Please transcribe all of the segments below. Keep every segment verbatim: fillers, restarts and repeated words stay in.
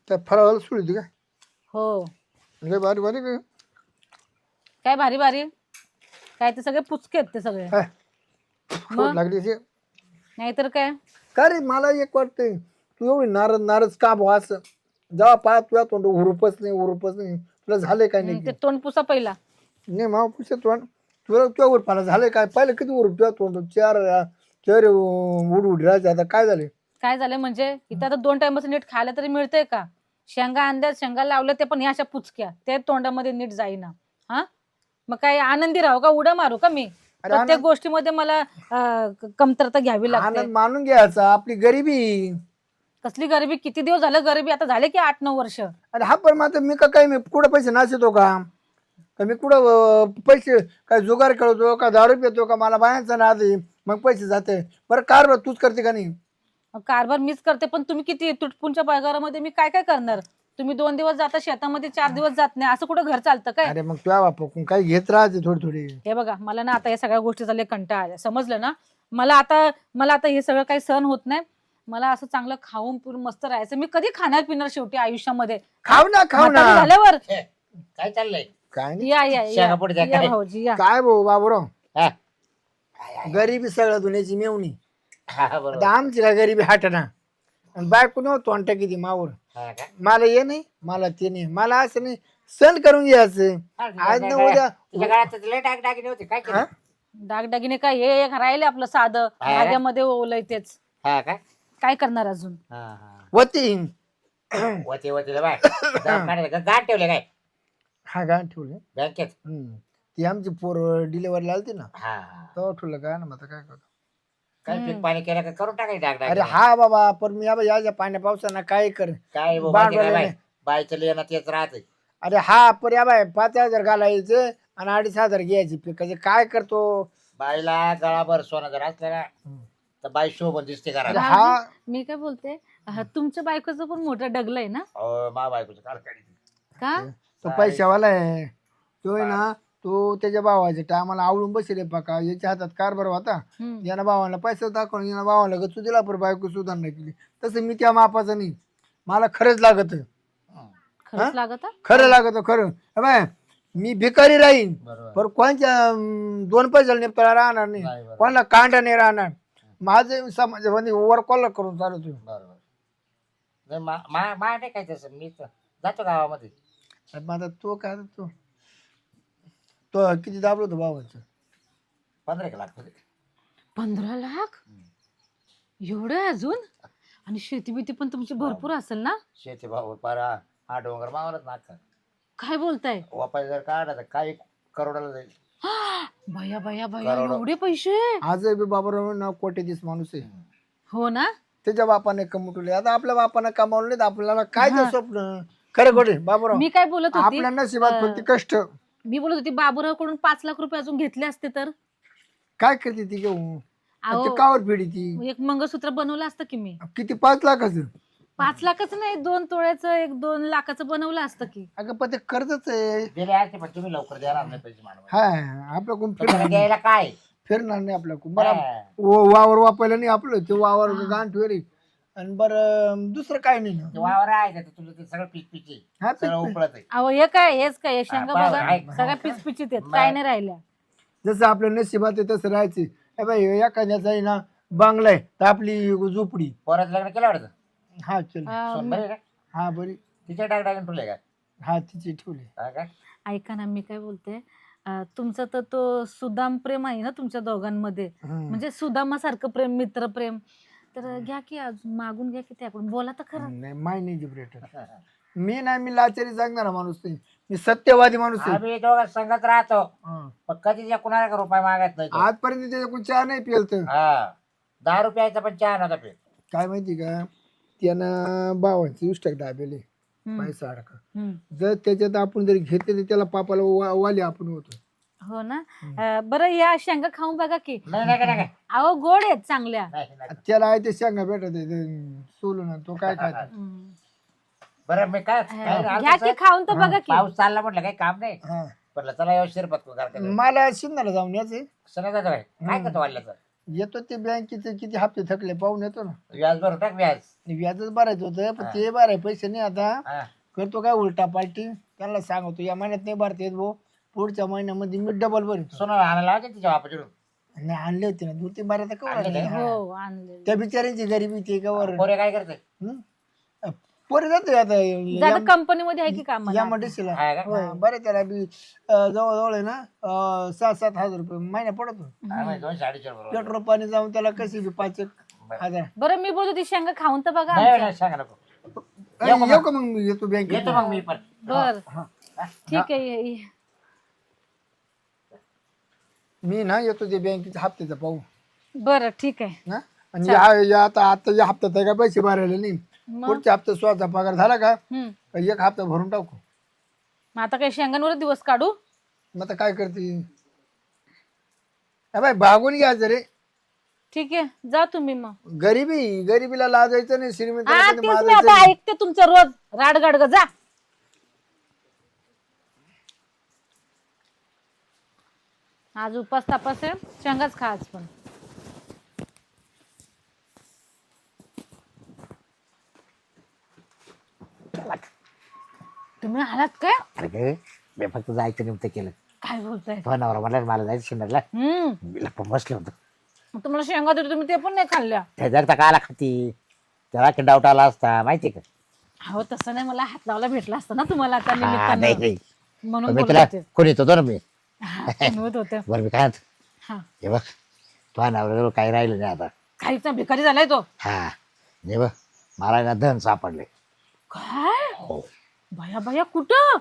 त्या फराळाला सोडली का? हो. लय भारी भारी का? काय भारी भारी काय ते सगळे पुचके आहेत ते सगळे. काय खोट लागली अशी. नाहीतर काय. का रे मला एक वाटतंय तू एवढी नाराज नाराज का भाऊ असं जेव्हा पाहा तुझ्या तोंड उरूपच नाही उरूपच नाही तुला झालंय काय हम्म, नाही ते तोंड पुसा पहिला. नाही मामा पुढच्या तोंड तुला तुझ्या उरपाला झालंय काय पहिलं किती उरूप तुझ्या तोंड चार चार उड उड राहायचे आता काय झाले? काय झालं म्हणजे इथं आता दोन टाइमच नीट खायला तरी मिळतंय का? शेंगा आणल्या शेंगा लावल्या ते पण ह्या अशा पुचक्या ते तोंडामध्ये नीट जाईना. हा मग काय आनंदी राहू का उड्या मारू का मी? अरे प्रत्येक आनंद गोष्टीमध्ये मला अं, क- कमतरता घ्यावी लागते. आनंद मानून घ्यायचा आपली गरिबी. कसली गरिबी किती दिवस झालं गरिबी आता झाले की आठ नऊ वर्ष. अरे हा पण मात्र मी का काय मी कुठं पैसे नाचतो का का मी कुठं अं, पैसे काय जुगार खेळतो का दारू पितो का मला बायांचा नाद आहे मग पैसे जाते बरं कार तूच करते का नाही? कारभार मीच करते पण तुम्ही किती तुटपुंच्या पगारामध्ये मी काय काय करणार? तुम्ही दोन दिवस जाता शेतामध्ये चार दिवस जात नाही असं कुठं घर चालतं काय? अरे मग तुझ्या बापा काही घेत राहते थोडी थोडी. हे बघा मला ना आता या सगळ्या गोष्टी झाले कंटाळा आलाय समजलं ना. मला आता मला आता हे सगळं काही सहन होत नाही. मला असं चांगलं खाऊन पिऊन मस्त राहायचं. मी कधी खाणार पिणार शेवटी आयुष्यामध्ये खाऊ ना खाऊ ना म्हातारी झाल्यावर. हे, काय चाललंय? काय नाही या या या शेंगापोट द्या या काय? भाऊजी या. काय भाऊ बाबूराव हा, गरिबी सगळं दुनियाची मेवणी. हा, आता बरोबर. आमची काय गरिबी हाटना आणि बायको नव्हतो तोंड किती मावर हा का? मला ये नाही मला ते नाही मला असं नाही सण करून घ्यायचं हा, आज ना तुझ्या उद्या तुझ्या गळ्यात तर लय डागडागिने होते काय केलं? हा? दागदागिने काय हे एक राहिले आपलं साधं हा. धाग्यामध्ये ओलय तेच. हा का? काय करणार अजून? हा, हा. वती वते वतीला बाय दवाखान्यात गाठ ठेवले काय हा गाण ठेवलं बँकेत? हम्म. ती आमची पोर डिलेवरी आलती ना हा, हा. तेव्हा ठेवलं काय ना मग काय करतो. काय पीक पाणी केलं का करून टाकायचं अरे डागडागिने? हा बाबा पण मी या या पाण्या पावसानं काय कर काय बाबा, भांडवल माहिती काय बाय नाही. बायचं लिहिणं तेच राहते. अरे हा पर या बाय पाच हजार घालायचं आणि अडीच हजार घ्यायची पिकाचे काय करतो. बाईला गळाभर सोनं जर असलं ना तर बाई शोभन दिसते अरे करा. हा मी काय बोलते अह, तुमच्या बायकोचं पण मोठं डगलंय ना मा बायकोचं कारखानी का? तो पैशावाला आहे तो आहे ना तो त्याच्या भावाच्या टायमाला आवडून बसले पका याच्या हातात कारभार होता हम्म. यानं भावाला पैसा दाखवून यानं भावाला गचू दिला पर बायको सुधारणा केली तसं मी त्या मापाचं नाही मला खरंच लागत खरंच लागत हा? खरं लागत खरं हे बाय मी भिकारी राहीन बरोबर. पर कोणच्या अं, दोन पैशाला निपटायला राहणार नाही नाही, बरोबर. कोणाला कांडा नाही राहणार माझं समाजामध्ये ओव्हर कॉल करून चालतो. बरोबर. नाही, मा मा- मा नाही काय तसं मी तर जातो गावामध्ये. मग आता तो काय तो तो किती दाबलो होतो भावाचं पंधरा एक लाख होते. पंधरा लाख एवढं अजून? आणि शेती बिती पण तुमची भरपूर असेल ना? शेती भाऊ पारा हा डोंगर मावलच नाका काय बोलताय? वापास जर काढला तर काही करोडाला जाईल. भया भया भया करोडो. एवढे पैसे? आज बी बाबाराव ना कोटी दिस माणूस आहे हो ना. त्याच्या बापाने कमवले आता आपल्या बापाने कमावलं नाही तर आपल्याला काय ते स्वप्न खरं खोटे बाबाराव मी काय बोलत होती आपल्या नशिबात फक्त कष्ट मी बोलत होती बाबूराव कडून पाच लाख रुपये अजून घेतले असते तर काय करते ती घेऊन अहो, ते कावर पिढी ती एक मंगळसूत्र बनवलं असतं की मी. किती पाच लाखाचं पाच लाखाचं नाही दोन तोळ्याचं एक दोन लाखाचं बनवलं असतं की. अगं पण ते कर्जच आहे दिले असते पण तुम्ही लवकर देणार नाही पैसे मानवा. हा आपलं कोण तुम्हाला फिरणार द्यायला काय? फिरणार नाही आपल्या कोण बरं हा. व- वावर वापरलं नाही आपलं ते वावर गाण ठेवली आणि बरं दुसरं काय नाही ना ते वावर आहे का? तुझं ते सगळं पीक पिची हा, पीक- सगळं उपळत आहे. अहो हे काय हेच काय हे शेंगा हा, बघा आहे. सगळ्या पिचपिचीत आहेत काय नाही राहिल्या. जसं आपल्या नशिबात आहे तसं राहायचे ए बाई एखाद्याचा आहे ना बांगला आहे तर आपली झोपडी पोराचं लग्न केलं वाटतं? हा चल अं, सोन बरे का? हा बरी तिच्या डाग डागून ठेवले का? हा तिची ठेवली हा का? ऐका ना मी काय बोलते अं, तुमचं तर तो सुदाम प्रेम आहे ना तुमच्या दोघांमध्ये हम्म. म्हणजे सुदामासारखं प्रेम मित्र प्रेम तर घ्या की अजून मागून घ्या की त्याकडून बोला तर खरं. नाही माय नाही जिब्रेटर मी नाही मी लाचारी सांगणारा माणूस नाही मी सत्यवादी माणूस आहे आम्ही दोघं संगत राहतो हा. पण कधी त्या कुणाला का रुपये मागत नाही तो. आजपर्यंत त्याच्याकडून चहा नाही पिलत हा दहा रुपयाचा पण चहा नव्हता पित. काय माहिती का त्यानं भावांची उष्टक दाबेले हम्म, पैसा अडका हम्म. जर त्याच्यात आपण जर घेतले तर त्याला पापाला वा- वाली आपण होतो. हो ना अं, बरं या शेंगा खाऊन बघा की. नाही नाही नाही, नाही अहो गोड आहेत चांगल्या. नाही, नाही. त्याला आहे ते शेंगा भेटत आहे, ते सोलून आणि तो काय खायचा हम्म. बरं मी काय काय घ्या राहतो की सर? खाऊन तर बघा की. पाऊस चालला म्हटलं काही काम नाही हा. म्हटलं चला येऊ शिरपत करते मला शिंदाला जाऊन याचे सगळं जायचं काय काय करतो वाढल्याचं येतो ते बँकेचे किती हप्ते थकले पाहून येतो ना. व्याज भरून टाक व्याज. व्याजच भरायचं होतं पण ते भराय पैसे नाही आता. हा. करतो काय उलटा पालटी त्यांना सांगतो या महिन्यात नाही भरता येत भाऊ, पुढच्या महिन्यामध्ये मी डबल भरतो. सोनं आणायला लावायचं तिच्या बापाकडून. नाही आणले होते ना दोन तीन बारा तर आणले कवर काय? हो आणले. त्या बिचाऱ्यांची गरिबी ते कवर. पोरे काय करते? पोरे जातो आता दादा कंपनीमध्ये आहे की काम या मडीशीला. हा का? बरं त्याला बी अं, जवळजवळ आहे ना अं, सात सात हजार रुपये महिना पडतो. हा, म्हणजे दोनशे अडीचशे बरोबर. पेट्रोल पाणी जाऊन त्याला कशी बी पाच एक हजार. बरं मी बोलतो ती शेंगा खाऊन तर बघा नाही आमच्या. नाही, सांगा नको. अं, येऊ का मग मी येतो बँकेत. येतो मग मी पण. बर ठीक आहे ये- ये. मी ना येतो ते बँकेच्या हप्त्याचा पाहू बरं ठीक आहे. ना. आणि या- या आता आता या हप्त्यात आहे का पैसे भरायला नाही. मग पुढच्या हप्त्यात स्वतः पगार झाला का हम्म. एक हप्ता भरून टाकू. मग आता काही शेंगांवर दिवस काढू. मग आता काय करते अ बाई भागून घ्यायचं रे. ठीक आहे जा तुम्ही मग. गरिबी गरिबीला लाजायचं नाही हा श्रीमंताला तेच कधी मी माजायचं आता नाही. ऐकते तुमचं रोज राडगाड ग जा. आज उपास तापास आहे शेंगाच खा आज पण. तुम्ही आलात काय? अरे मी फक्त जायचं निमित्त केलं. काय बोलताय? तो नवरा म्हणला मला जायचं शिंदरला. हम्म मी लपून बसलो होतो. मग तुम्हाला शेंगा देतो तुम्ही ते पण नाही खाल्ल्या. त्या जर तर काला खाती त्याला की डाऊट आला असता माहिती का? हो तसं नाही मला हात लावायला भेटला असता ना तुम्हाला त्या हा, नाही निमित्तानं नाही म्हणून मी बोलत तुला होते. कोणी येतो ना मी. हा, म्हणत होते. बरं मी काय म्हणतो, हा हे बघ तो नवऱ्याजवळ काही राहिलं नाही आता. काहीच ना भिकारी झालाय तो. हा हे बघ मला ना धन सापडले. काय हो भया भया कुठं?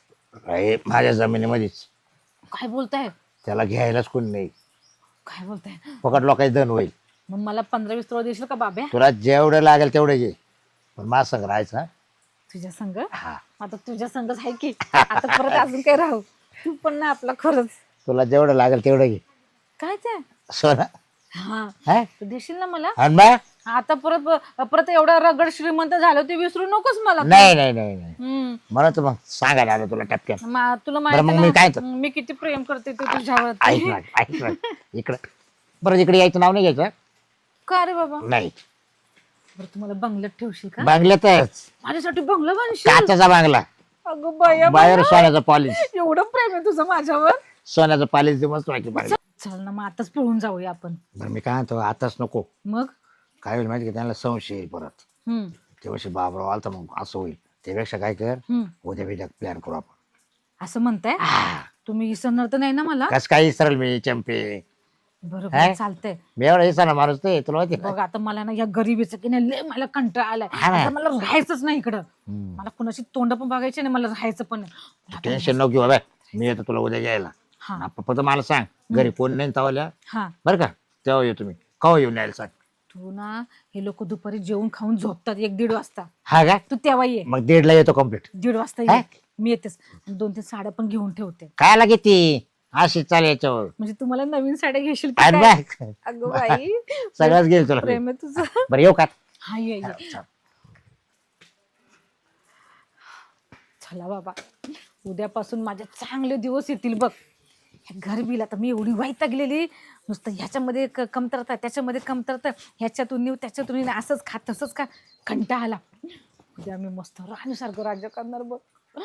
हे माझ्या जमिनीमध्येच. काय बोलताय? त्याला घ्यायलाच कोणी नाही. काय बोलताय? फकट लोकांची धन होईल. मग मला पंधरा वीस तोळा देशील का बाब्या? तुला जेवढं लागेल तेवढं घे पण माझ संग राहायचं हा? तुझ्या संग हा आता तुझ्या संगच आहे की आता परत अजून काय राहू तू पण ना आपला खरंच. तुला जेवढं लागेल तेवढं घे काय ते? सोना. हा हा तू देशील ना मला? आणि मग? आता परत परत एवढा रगड श्रीमंत झालं ते विसरू नकोस मला. नाही नाही नाही नाही हम्म म्हणून तर मग सांगायला आलं तुला टपक्यान. मा- तुला बरं, मग माहिती मी काय ना तर- मी किती प्रेम करते ते तुझ्यावर. ऐक ना ऐक ना इकडं बरं इकडे यायचं नाव नाही घ्यायचं. का रे बाबा? नाही बरं तुम्हाला बंगल्यात ठेवशील का? बांगल्यातच माझ्यासाठी बंगला बांधशील? काचाचा बांगला अगं बाया बाहेर बाया. सोन्याचं पॉलिश. एवढं प्रेम आहे तुझं माझ्यावर. सोन्याचं पॉलिश दे मस्त वाटते बांगला. चल ना मग आताच पळून जाऊया आपण. बरं मी काय म्हणतो आताच नको. मग काय होईल माहिती का त्यांना संशय येईल परत. हम्म तेव्हा बाबराव आला तर मग असं होईल. त्यापेक्षा काय कर हम्म उद्या बिद्या प्लॅन करू आपण. असं म्हणताय? हा. तुम्ही विसरणार तर नाही ना मला? कस काय विसरल मी चंपे. बरोबर काय? चालतंय. मी एवढा विसरला माणूस ते तुला माहिती ना. बघ आता मला ना या गरिबीचं की नाही लय मला कंटाळा आलाय. हा ना. आता मला राहायचंच नाही इकडं. हम्म. मला कुणाची तोंड पण बघायची नाही मला राहायचं पण नाही. मला आता- टेन्शन नको घेऊ बाबा मी येतो तुला उद्या घ्यायला. हा आपण फक्त मला सांग घरी कोण नाही तवाल्या हा बरं का तेव्हा येऊ तुम्ही कवा येऊन यायला सांग. तू ना हे लोक दुपारी जेवून खाऊन झोपतात एक दीड वाजता. हा का तू तेव्हा ये. मग दीडला येतो कम्प्लीट. दीड वाजता हा? ये मी येतेच. आणि दोन तीन साड्या पण घेऊन ठेवते काय लागे ती अशी चाल याच्यावर. म्हणजे तुम्हाला नवीन साड्या घेशील की आणि काय? बघ, अगं बाई सगळंच घेईल तुला. प्रेम आहे तुझं. बरं येऊ का? हा ये ये. चला बाबा उद्यापासून माझे चांगले दिवस येतील बघ. ह्या गरबीला तर मी एवढी वैतागलेली नुसतं ह्याच्यामध्ये क- कमतरता त्याच्यामध्ये कमतरता ह्याच्यातून नेऊ त्याच्यातून नेऊ असंच खा तसंच खा कंटाळा आला. उद्या मी मस्त राणीसारखं राज्य करणार बघ.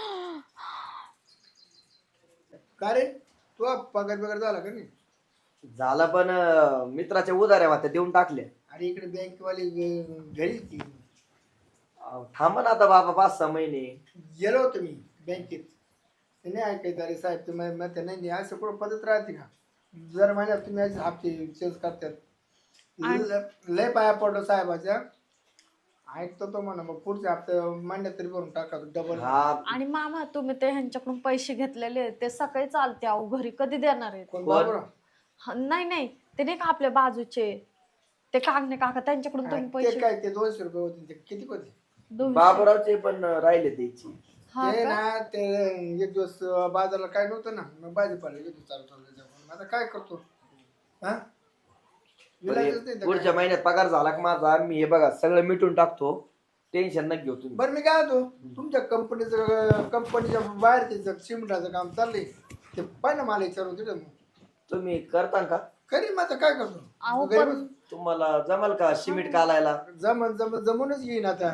का रे तू पगार बिगार झाला का नाही? झाला पण अं, मित्राच्या उधाऱ्या होत्या देऊन टाकल्या. अरे इकडे बँकवाली घरी ती अहो, थांबा ना आता बाबा पाच सहा महिने. गेलो होतो मी बँकेत. ते नाही ऐकायचं अरे साहेब तुम्ही म्हणते नाही नाही असं कुठं पद्धत राहते का? जर महिन्यात तुम्ही असे हप्ते चेंज करतात. ल- लय पाया पडलो साहेबाच्या. ऐकतो तो म्हणा मग पुढच्या हप्ते महिन्यात तरी भरून टाका डबल. हा आणि मामा तुम्ही ते ह्यांच्याकडून पैसे घेतलेले आहेत, ते सकाळी चालते अहो घरी कधी देणार आहेत? कोण कोण? बाबूराव? हा, नाही नाही ते नाही का आपल्या बाजूचे ते कागणे काका त्यांच्याकडून तुम्ही ते पैसे काय ते दोनशे रुपये होते ते किती होते? दोनशे- बाबूरावचे पण अं, राहिले द्यायची. हा ते का? ना ते एक दिवस बाजारला काय नव्हतं ना मग भाजीपाला गेलो चालू चालू आता काय करतो हा विलाजच नाही तर पुढच्या काय. महिन्यात पगार झाला का माझा मी हे बघा सगळं मिटून टाकतो. टेन्शन नका घेऊ तुम्ही. बरं मी काय होतो तुमच्या कंपनीचं कंपनीच्या बाहेर ते सिमेंटाचं काम चाललंय ते पाहिजे ना मला विचारून तिथं मग. तुम्ही करता का? करीन मग आता काय करतो अहो घरी पण बसून. तुम्हाला जमल का सिमेंट कालायला? जमन जमन जमूनच घेईन आता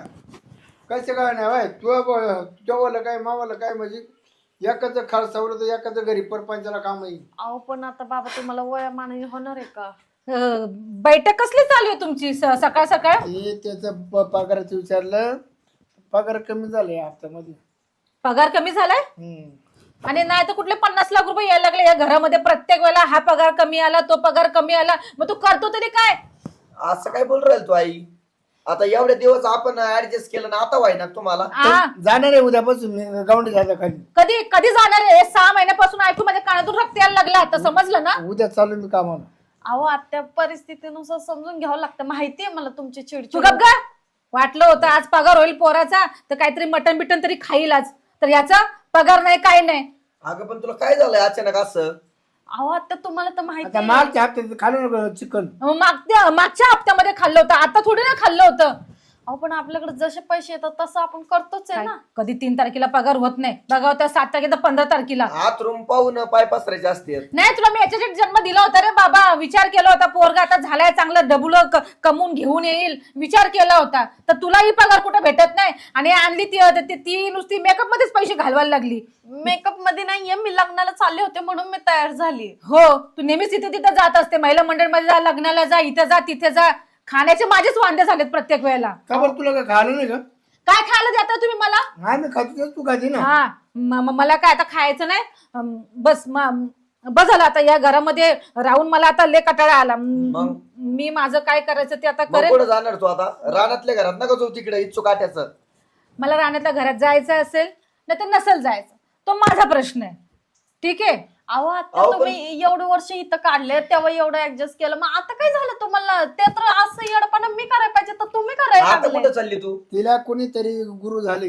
कसं काय नाही बाय तुझ्या तुझ्यावाला काय मावाला काय म्हणजे एकाचं खार सवलं तर एकाचं घरी परपंचाला काम येईल. अहो पण आता बाबा तुम्हाला वयामानाने होणार आहे का? अं, बैठक कसली चालू आहे तुमची स- सकाळ सकाळ? हे त्याचं प- पगाराचं विचारलं पगार कमी झाले या हप्त्यामध्ये. पगार कमी झालाय हम्म. आणि नाही तर कुठले पन्नास लाख रुपये यायला लागले या घरामध्ये प्रत्येक वेळेला हा पगार कमी आला तो पगार कमी आला मग तू करतो तरी काय? असं काय बोल राहील तू आई? आता एवढे दिवस आपण ऍडजस्ट केलं ना, आता व्हाय ना तुम्हाला? आ, जाणार आहे उद्यापासून मी गावंडी झालं खाली. कधी कधी जाणार आहे? सहा महिन्यापासून ऐकू माझ्या कानातून रक्त यायला लागला आता समजलं ना? उद्या चालू मी कामाला. अहो आत्या परिस्थितीनुसार समजून घ्यावं लागतं. माहितीये मला तुमची तू चिडचिड. गप गा. वाटलं होतं आज पगार होईल पोराचा तर काहीतरी मटन बिटन तरी खाईल आज तर याचा पगार नाही काय नाही. अगं पण तुला काय झालंय अचानक असं? अहो आत्या तुम्हाला तर माहिती आता आहे. मागच्या हप्त्यात खाल्लं चिकन. मग मागच्या मागच्या हप्त्यामध्ये खाल्लं होतं आता थोडी ना खाल्लं होतं. अहो पण आपल्याकडे जसे पैसे येतात तसं आपण करतोच आहे ना. कधी तीन तारखेला पगार होत नाही बघा होता सात तारखेला पंधरा तारखेला. हात रूम पाहून पाय पसरायचे असते. नाही तुला मी याच्यासाठी जन्म दिला होता रे बाबा. विचार केला होता पोरगा आता झालाय चांगलं डबुल कमवून घेऊन येईल विचार केला होता तर तुलाही पगार कुठे भेटत नाही आणि आणली ती ती- ती नुसती मेकअप मध्येच पैसे घालवायला लागली. मेकअप मध्ये नाहीये मी लग्नाला चालले होते म्हणून मी तयार झाली. हो तू नेहमीच इथे तिथे जात असते महिला मंडळमध्ये जा लग्नाला जा इथे जा तिथे जा. खाण्याचे माझेच वांदे झालेत प्रत्येक वेळेला. का बरं तुला काय खायला नाही का? काय खायला देता तुम्ही मला? नाही मी खातो तू खाती ना. हा म- म- मला काय आता खायचं नाही अम, बस म- बस झालं आता या घरामध्ये राहून मला आता लय कटाळा आला. म- मग? मी माझं काय करायचं ते आता मग करेन. कुठं जाणार तू आता? रानातल्या घरात नका जाऊ तिकडे इच्छुक काट्याचं. मला राहण्यातल्या घरात जायचं असेल नाही तर नसेल जायचं तो माझा प्रश्न आहे ठीक आहे. अहो आता अहो, पण- तुम्ही एवढे वर्ष इथं काढले तेव्हा एवढं ऍडजस्ट केलं मग आता काय झालं तुम्हाला? ते तर असं येडपणा मी करायला पाहिजे तर तुम्ही करायला आता लागले. कुठं चालली तू? तिला कोणीतरी गुरु झाले.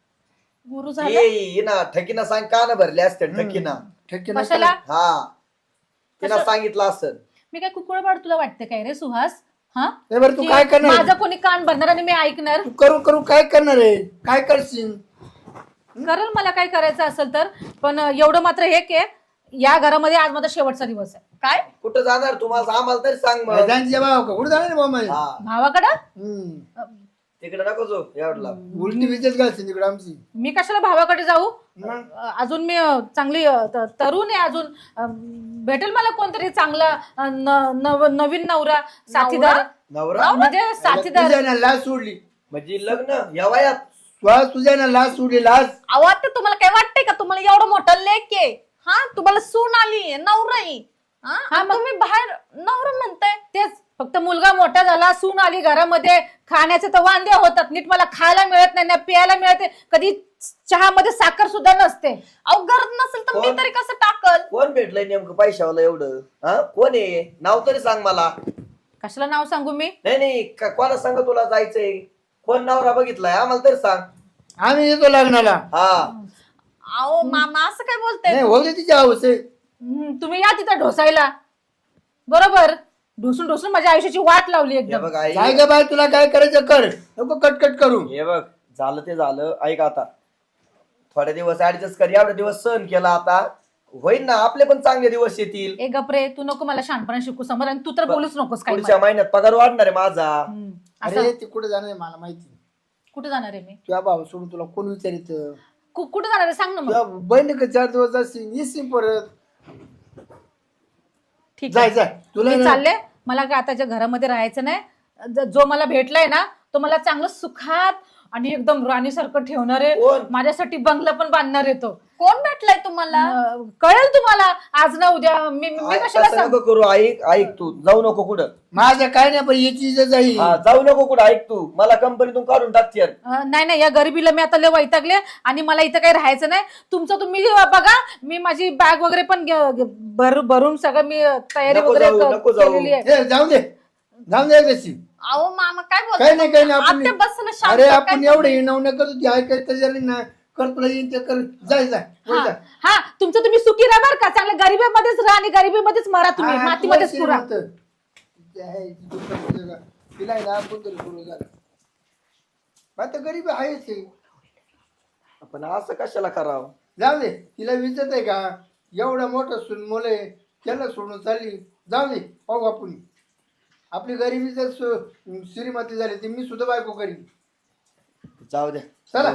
गुरु झाले. ये ये ना ठकीना सांग का ना भरले असते ठकीना. ठेके कशाला? हा तिला कसं? सांगितलं असं. मी काय कुकुळबाड तुला वाटतं काय रे सुहास? हा ए बरं तू की काय करणार? माझं कोणी कान भरणार आणि मी ऐकणार? तू करू करू काय करणार आहे? काय करशील? करेल मला काय करायचं असेल तर पण एवढं मात्र हे की या घरामध्ये आज माझा शेवटचा दिवस आहे. काय? कुठं जाणार तुम्हाला आम्हाला तरी सांग मग. मैदानचे भाव का कुठे जाणार आहे बाबा? हा भावाकडं हम्म. तिकडे नको जाऊ एवढला. उलटी विजेत घालशील तिकडे आमची. मी कशाला भावाकडे जाऊ? मग? अ, अजून मी अ, चांगली अ, त- तरुण आहे अजून अ, भेटेल मला कोणतरी चांगला अ, न- नव- नवीन नवरा साथीदार नवरा म्हणजे साथीदार. तुझ्या ना लाज सोडली. म्हणजे लग्न या वयात? श्वास तुझ्या ना लाज सोडली लाज. अहो आता तुम्हाला काय वाटतंय का तुम्हाला एवढं मोठं लेक आहे? हा तुम्हाला सून आली नवरा आहे. हा आणि तुम्ही बाहेर नवरा म्हणताय. तेच फक्त मुलगा मोठा झाला सून आली घरामध्ये खाण्याचे तर वांदे होतात नीट मला खायला मिळत नाही ना प्यायला मिळते कधी चहामध्ये साखर सुद्धा नसते. अहो गरज नसेल तर मी कोण? तरी कसं टाकल? कोण भेटलंय नेमकं पैशावाला एवढं? हा कोण आहे? नाव तरी सांग मला. कशाला नाव सांगू मी? नाही नाही का- कोणा सांग तुला जायचंय? कोण नवरा बघितलाय आम्हाला तरी सांग. आम्ही येतो लग्नाला. हा अहो मामा असं काय बोलताय? नाही होते तिच्या हौस आहे. हम्म, तुम्ही या तिथं ढोसायला बरोबर ढोसून ढोसून माझ्या आयुष्याची वाट लावली हे एकदम. बघ आई, काय ग बाय तुला काय करायचं कर नको कटकट करू. हे बघ झालं ते झालं. ऐक आता थोडे दिवस ऍडजस्ट कर. एवढे दिवस सहन केला आता होईल ना आपले पण चांगले दिवस येतील. ए गपरे तू नको मला शहाणपणा शिकू समोर आणि तू तर बोलूच नकोस काही पुढच्या महिन्यात पगार वाढणार आहे माझा. हम्म, असं अरे ती कुठे जाणार आहे मला माहिती. कुठे जाणार आहे मी? तुझ्या भाऊ सोडून तुला कोण विचारित? कु- कुठे जाणार आहे सांग ना मग. तुझ्या बहिणी का चार दिवस जाशील येशील परत. ठीक जाय आहे जाय तुला मी ना- चालले मला काय आताच्या घरामध्ये राहायचं नाही. ज- जो मला भेटलाय ना तो मला चांगलं सुखात आणि एकदम राणीसारखं ठेवणार आहे. कोण? माझ्यासाठी बंगला पण बांधणार आहे तो. कोण भेटलाय तुम्हाला? अं, कळेल तुम्हाला आज ना उद्या. मी मी आई, कशाला तसं सांग नको करू. ऐक ऐक तू जाऊ नको कुठं. माझं काय नाही पण याची इज्जत जाईल. हा जाऊ नको कुठं. ऐक तू मला कंपनीतून काढून टाकते. अं, नाही नाही या गरिबीला मी आता लय वैतागले आणि मला इथं काही राहायचं नाही. तुमचं तुम्ही बघा मी माझी बॅग वगैरे पण घे- घे- भर भरून सगळं मी तयारी नको वगैरे जाऊ, क- नको जाऊ. केलेली आहे. ए, जाऊ दे जाऊ दे कशी. अहो मामा काय काही बोलताय? नाही काही नाही आपण आत्या बस ना शांत. अरे काय आपण एवढे हिणव न करतो ती ऐकायचं जरी ना कर तुला येईन ते कर. जाय जाय वर हा जा. हा, तुमचं तुम्ही सुखी राहा बरं का चांगल्या गरिबीमध्येच राहा आणि गरिबीमध्येच मरा तुम्ही हा, मातीमध्येच तुला पुरा. श्रीमंत. जय दुसरं जगा. तिला आहे ना आपण तरी सुरू झालं. आता गरीब आहेच हे. आपण असं कशाला करावं? जाऊ दे तिला विचारत आहे का एवढं मोठं सून मुलं आहे त्याला सोडून चालली जाऊ दे पाहू आपण. आपली गरिबी जर सु- श्रीमती झाली ती मी सुद्धा बायको करीन. जाऊ द्या चला.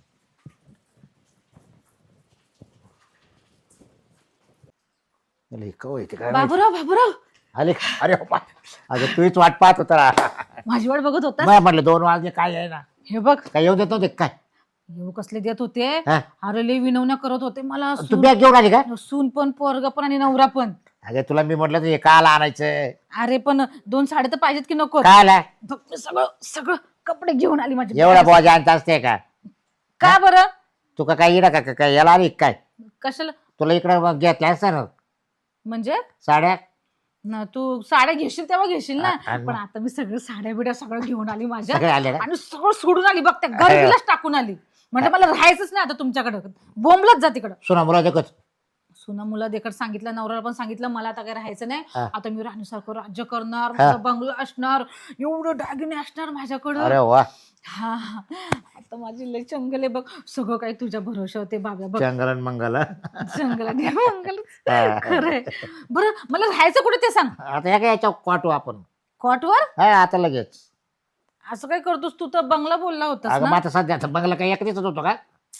काय बाबूराव बाबूराव आले का? अरे बाबा, अगं तूच वाट पाहत होता. माझी वाट बघत होता. मला म्हटलं दोन वाजले काय आहे ना, हे बघ काय येऊ देत नव्हते काय? येऊ कसले देत होते. हा? अरे लय विनवण्या करत होते मला. तू सून बॅग घेऊन आली का? सून पण पोरग पण आणि नवरा पण. अगं तुला मी म्हटलं हे काल आणायचं. अरे पण दोन साडे तर पाहिजेत की नको. काय आला मी सगळं सगळं कपडे घेऊन आली माझी. एवढा बोज आणत असते का? का बरं? तू का काय इडा का काय याला आली काय? कशाला तुला इकडं घेतल्या असत्या ना म्हणजे? साड्या. ना तू साड्या घेशील तेव्हा घेशील ना. आ- आणि पण आता मी सगळं साड्या बिड्या सगळं घेऊन आली माझ्या. सगळे आले का? आणि सगळं सोडून आली बघ त्या गर्दीलाच टाकून आली. म्हणजे मला राहायचंच नाही आता तुमच्याकडे. बोंबलत जा तिकडं. सुना मुला देखत सुना मुला देखत सांगितलं, नवऱ्याला पण सांगितलं मला आता काही राहायचं नाही. हा. आता मी राणीसारखं राज्य करणार, हा. माझा बंगला असणार, एवढं दागिने असणार माझ्याकडं. अरे वा, हा हा. आता माझी लय चंगल आहे बघ. सगळं काही तुझ्या भरोशावर ते बाब्या बघ. चंगलन मंगल. चंगल आणि मंगल. हा. खरंय. बरं मला राहायचं कुठे ते सांग. आता या काय याच्या क्वाटू आपण. कॉटवर? हा आता लगेच. असं काय करतोस तू? तर बंगला बोलला होतास अगं ना. मग आता सध्या आता बंगला काय एका दिवसात होतो का?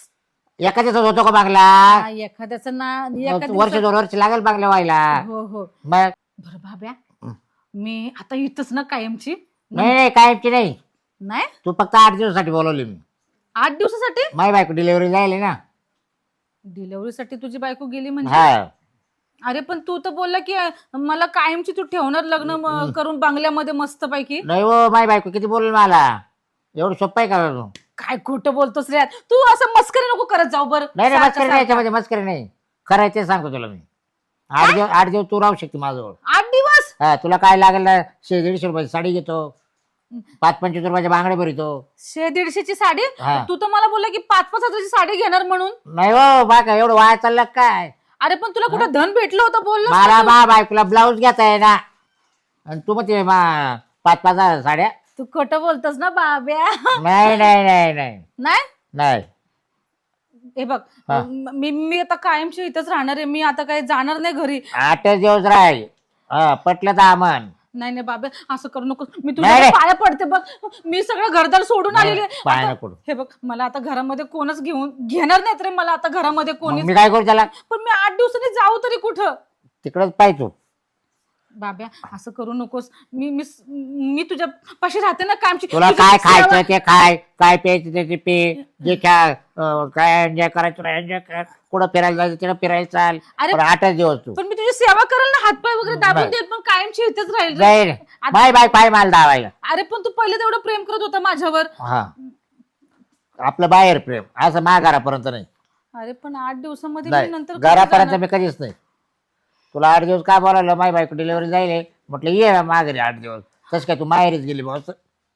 एका दिवसात होतो का बंगला? हा, एखाद्याचं ना एका वर्ष दिवसात- दोन वर्ष लागेल बंगला व्हायला. हो हो. मग बरं बाब्या, मी आता इथंच ना कायमची. नाही नाही कायमची नाही. नाही तू फक्त आठ दिवसासाठी बोलवली मी. आठ दिवसासाठी? माय बायको डिलिव्हरी जायली ना. डिलिव्हरीसाठी तुझी बायको गेली म्हणजे? हा अरे पण तू तर बोलला की मला कायमची तू ठेवणार लग्न म- करून बंगल्यामध्ये मस्त पैकी. नाही हो, माय बायको किती बोलली मला. एवढं सोपं आहे का? काय खोटं बोलतोस रे तू. असं मस्करी नको करत जाऊ. बरं नाही नाही सारखं- मस्करी नाही, याच्यामध्ये मस्करी नाही. खरं आहे ते सांगतो तुला मी. आठ दिवस आठ दिवस तू राहू शकते माझ्याजवळ. आठ दिवस? हा तुला काय लागेल ना, शे दीडशे रुपयाची साडी घेतो, पाच पंचवीस रुपयाच्या बांगड्या भरितो. शे दीडशेची साडी? हा. तू तर मला बोलला की पाच पाच हजाराची साडी घेणार म्हणून. नाही हो बा काय एवढं वाया चाललं काय? अरे पण तुला कुठं धन भेटलं होतं बोललो. मला मा बायकोला ब्लाऊज घेता आहे ना, आणि तू म्हणते मा पाच पाच हजार साड्या. तू खोटं बोलतोस ना बाब्या. नाही नाही नाही नाही नाही नाही. हे बघ हा. मी मी आता कायमची इथंच राहणार आहे. मी आता काही जाणार नाही घरी. आठच दिवस राहील. हा पटलं तर आमन. नाही नाही बाबा असं करू नको. मी नाही, तुझ्या नाही. पाया पडते बघ. मी सगळं घरदार सोडून नाही, आलेले. पाया आता- नको पडू. हे बघ मला आता घरामध्ये कोणच घेऊन घेणार नाहीत रे. मला आता घरामध्ये मग कोणीच. मी काय करू त्याला? पण मी आठ दिवसांनी जाऊ तरी कुठं? तिकडच पाहिजे. बाब्या असं करू नकोस. मी मी मी तुझ्या पाशी राहते ना कायमची. तुला तुझी काय सेवा- खायचं ते खाय, काय प्यायचं ते ते पे, जे काय अं, काय एन्जॉय करायचं तुला एन्जॉय कर, कुठं फिरायला जायचं तिकडं फिरायला चाल. अरे, पण आठच दिवस तू पण मी तुझी सेवा करेल ना. हातपाय वगैरे दाबून नाही. देत पण कायमची इथेच राहील रे. जाईल. आता- बाय बाय पाय माल दावायला. अरे पण तू पहिले तेवढं प्रेम करत होता माझ्यावर. हा आपलं बाहेर प्रेम, असं महागारापर्यंत नाही. अरे पण आठ दिवसामध्ये मी नाही नंतर कसं घरापर्यंत जाणार? मी कधीच नाही. तुला आठ दिवस काय बोलावलं? माय बायको डिलिव्हरी जाईल म्हटलं ये माघारी आठ दिवस. तसं काय तू माहेरीच गेली बॉस?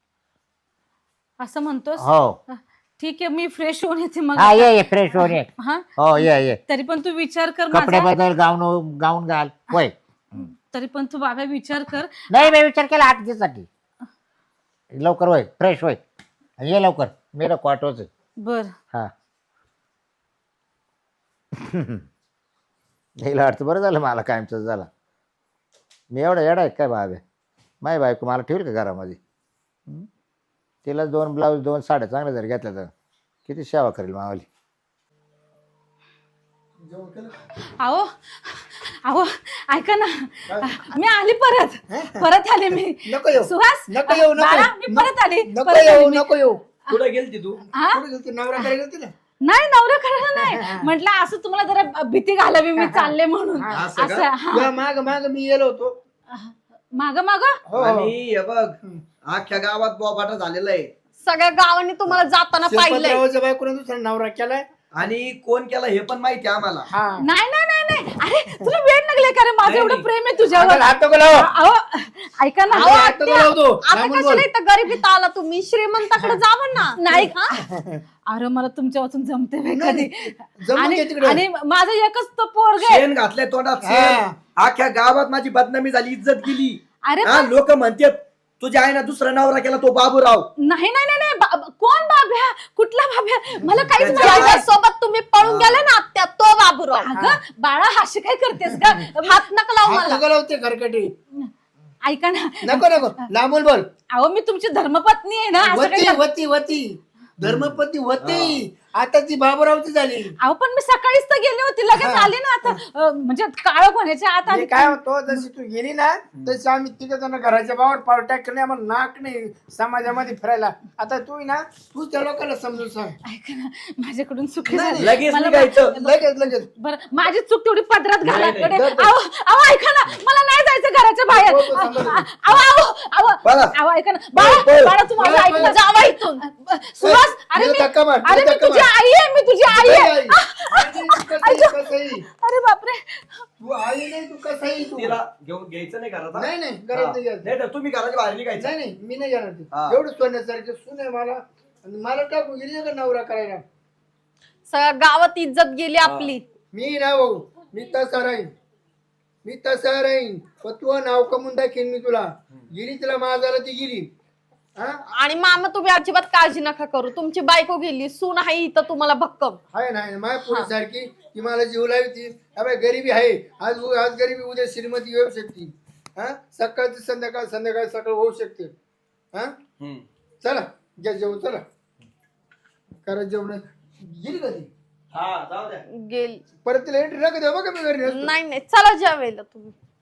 असं म्हणतोस? हो. ठीक आहे मी फ्रेश होऊन येते मग. हा ये ये फ्रेश होऊन ये. हा हो ये ये. तरी पण तू विचार कर कपडे माझा. बदल, गाऊन गाऊन घाल. होय. तरी पण तू बाबा विचार कर. नाही मी विचार केला आठ दिवसासाठी. लवकर होय फ्रेश होय आणि ये लवकर. मी नको ऑटोच. बर हा यायला वाटतं बरं झालं मला कायमच झाला. मी एवढा येडा आहे काय बाबे? माय बायको मला ठेवल का घरामध्ये? हं? तिला दोन ब्लाऊज दोन साड्या चांगल्या जर घेतल्या तर किती सेवा करेल मावाली. जेवण केलं? अहो अहो ऐका ना. मी आली परत. परत आले मी. नको येऊ. सुहास नको येऊ, नको बाळा, येऊ. मी परत आली. नको परत आली येऊ मी. नको येऊ. कुठं गेलती तू? हा? कुठे गेलती? नवराकडे गेलती ना? नाही नवरा करायला नाही म्हटलं. असं तुम्हाला जरा भीती घालावी मी चालले म्हणून. असं का? असं हा. तुला माग माग मी गेलो होतो. माग माग हो, हो. आणि हे बघ अख्ख्या गावात बोबाटा झालेला आहे. सगळ्या गावांनी तुम्हाला जाताना पाहिलंय. शिरपतरावच्या बायकोने दुसरा नवरा केलाय. आणि कोण केला हे पण माहिती आहे आम्हाला. हा नाही नाही नाही नाही. अरे तुला वेळ लागले का रे? माझं नाही, एवढं नाही. प्रेम आहे तुझ्यावर. हात नको लावू. अहो ऐका ना. हात अहो, नको लावू तू. आता लांबून कशाला बोल. इथं गरिबीत आला तुम्ही? श्रीमंताकडे जावं ना. नाही हा? अरे मला तुमच्या वाचून जमते बाई नाही, कधी. जमून आणि घे तिकडे. आणि माझं एकच तो पोरग आहे. शेण घातलंय तोंडात हा. शेण. अख्ख्या गावात माझी बदनामी झाली, इज्जत गेली. अरे हा लोक म्हणतात तुझ्या आईना दुसरा नवरा केला तो बाबूराव. नाही नाही नाही नाही. बा- कोण बाब्या? कुठला बाब्या? मला काहीच त्याच्या- माहिती नाही. सोबत तुम्ही पळून गेले ना आत्या, तो बाबू करू आपण. अगं बाळा अशी काय करतेस का हात नका लावू हात मला. नको लावते खरकटी. ऐका ना नको नको लांबून बोल. अहो मी तुमची धर्मपत्नी आहे ना असं काय वती कर- वती वती धर्मपती होती आता ती बाबूरावची झाली. अहो पण मी सकाळीच तर गेले होते लगेच हा. आले ना आता अं, म्हणजे काळ होण्याच्या आत मी आली. काय होतो जशी तू गेली ना तशी आम्ही तिघ जण घराच्या बाहेर पावर टाकले नाही आम्हाला नाक नाही समाजामध्ये फिरायला. आता तू ना तू त्या लोकांना समजून सांग. ऐका ना माझ्याकडून चुकी नाही, झाली. लगेच मला- निघायचं. लगेच लगेच बरं माझी चूक तेवढी पदरात घाला नाही, नाही. कडे. दर- दर. अहो अहो, ऐका ना मला नाही जायचं घराच्या बाहेर. हो, हो, सांगा ना. अहो अहो अहो बाळा. अहो ऐका ना बाळा पळ. बाळा तू माझं पळ, ऐक ना पळ. जावा इथून. सुहास अरे तिला मी धक्का मार, अरे तिला मी धक्का तुझी मार. आई आहे मी तुझी आई आहे. आई. आई, तू कसाही, कसाही. अरे बापरे तू आई नाही तू कसाही तू. तिला घेऊन घ्यायचं नाही घरात हा? नाही नाही घरात नाही हा. घ्यायचं. नाही तर तुम्ही घराच्या बाहेर निघायचं. नाही नाही मी नाही जाणार ते. हा. एवढं सोन्यासारखे सून आहे मला आणि मला टाकून गेली का नवरा करायला. सगळ्या गावात इज्जत गेली आपली. मी ना भाऊ मी तसा राहीन मी तसा राहीन पण तू नाव कमवून दाखीन मी तुला. गेली तिला माझाला ती गेली. हा आणि मामा तुम्ही अजिबात काळजी नका करू. तुमची बायको गेली, सून आहे इथं तुम्हाला भक्कम. आहे ना माझ्या पोरी सारखी ती मला जीव लावती. अबे गरीबी आहे आज आज गरीबी उद्या श्रीमती येऊ शकते. हा सकाळची संध्याकाळ संध्याकाळ सकाळ होऊ शकते. हा हम्म. चला घ्या जेवण चला करा जेवण. गेली का ती हा जाऊ द्या. गेली परत तिला एंट्री नका देऊ बघा मी घरी नसतो. नाही नाही चला जेवायला तुम्ही.